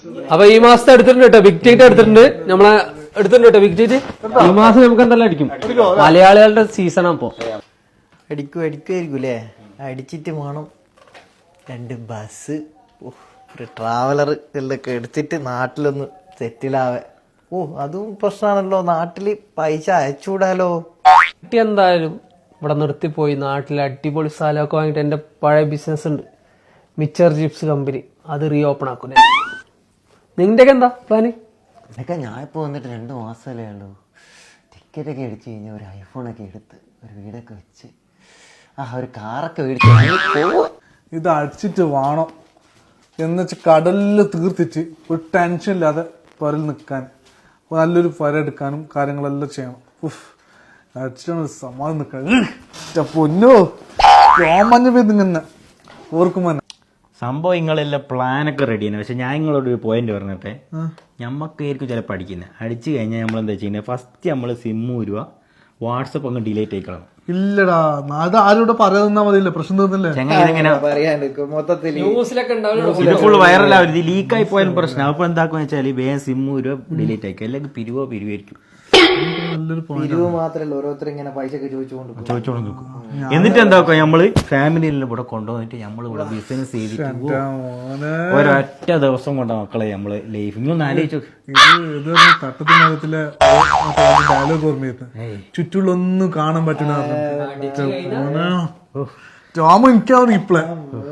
അപ്പൊ ഈ മാസത്തെ എടുത്തിട്ടുണ്ട് കേട്ടോ, ബിഗ് ടൈറ്റ് എടുത്തിട്ടുണ്ട്. നമ്മളെ എടുത്തിട്ടുണ്ട് കേട്ടോ ബിഗ് ടൈറ്റ്. ഈ മാസം നമുക്ക് എന്തെല്ലാം അടിക്കും, മലയാളികളുടെ സീസണാ ഇപ്പൊ. അടിക്കുമായിരിക്കൂലേ? അടിച്ചിട്ട് വേണം 2 ബസ് ഒരു ട്രാവലർ എല്ലൊക്കെ എടുത്തിട്ട് നാട്ടിലൊന്ന് സെറ്റിലാവേ. അതും പ്രശ്നമാണല്ലോ, നാട്ടില് പൈസ അയച്ചുകൂടാലോ. എന്തായാലും ഇവിടെ നിർത്തിപ്പോയി നാട്ടിൽ അടിപൊളി സ്ഥലമൊക്കെ വാങ്ങിട്ട് എന്റെ പഴയ ബിസിനസ് ഉണ്ട്, മിച്ചർ ചിപ്സ് കമ്പനി, അത് റീ ഓപ്പൺ ആക്കൂലേ. നിന്റെ എന്താ പ്ലാന്? എന്നൊക്കെ ഞാൻ ഇപ്പോൾ വന്നിട്ട് 2 മാസമല്ലേ ഉള്ളൂ. ടിക്കറ്റൊക്കെ അടിച്ചു കഴിഞ്ഞാൽ ഒരു ഐഫോണൊക്കെ എടുത്ത് ഒരു വീടൊക്കെ വെച്ച് ഒരു കാറൊക്കെ മേടിച്ച് ഇത് അടിച്ചിട്ട് വേണം എന്നുവെച്ചാൽ കടലിൽ തീർത്തിട്ട് ഒരു ടെൻഷൻ ഇല്ലാതെ പുരൽ നിൽക്കാൻ, നല്ലൊരു പുര എടുക്കാനും കാര്യങ്ങളെല്ലാം ചെയ്യണം. അടിച്ചിട്ടാണ് സമാധാനം നിൽക്കാൻ. പൊന്നോ രോമഞ്ഞ പെയ്തിങ്ങനെ ഓർക്കുമ്പോ സംഭവം നിങ്ങളെല്ലാം പ്ലാനൊക്കെ റെഡിയാണ്. പക്ഷെ ഞാൻ നിങ്ങളോട് ഒരു പോയിന്റ് പറഞ്ഞിട്ടെ, ഞമ്മക്കായിരിക്കും ചിലപ്പോൾ അടിക്കുന്നത്. അടിച്ചു കഴിഞ്ഞാൽ നമ്മളെന്താ ചെയ്യുന്നത്, ഫസ്റ്റ് നമ്മൾ സിമ്മ് രൂപ വാട്സപ്പ് അങ്ങ് ഡിലീറ്റ് ആയിക്കളണം. ഇല്ലടാ, അത് ആരോട് പറയാതിരുന്നാ മതിയില്ല, പ്രശ്നം തീർന്നില്ലേ? മൊത്തത്തിൽ ഇത് ഫുൾ വൈറലാവും. ഇത് ലീക്കായി പോയാലും പ്രശ്നം. അപ്പൊ എന്താക്കുമെന്ന് വെച്ചാൽ വേഗം സിമ്മ് രൂപ ഡിലീറ്റ് ആയിക്കും, അല്ലെങ്കിൽ പിരിവായിരിക്കും. പിരിവ് മാത്രല്ല, ഓരോരുത്തർ ഇങ്ങനെ പൈസ ഒക്കെ ചോദിച്ചുകൊണ്ട് നിൽക്കും. എന്നിട്ട് എന്താക്കുക, നമ്മള് ഫാമിലിയെല്ലാം ഇവിടെ കൊണ്ടുവന്നിട്ട് നമ്മൾ ഇവിടെ ബിസിനസ് ചെയ്തിട്ട് ഒരൊറ്റ ദിവസം കൊണ്ട മക്കളെ നമ്മള് ലൈഫ് ഇങ്ങൊന്ന് ആലോചിച്ചു. തട്ടത്തിനകത്തിലെ ഡയലോഗ് ഓർമ്മയെത്തും, ചുറ്റുള്ളൊന്നും കാണാൻ പറ്റുന്ന ടോമ എനിക്കാവും ഇപ്പളെ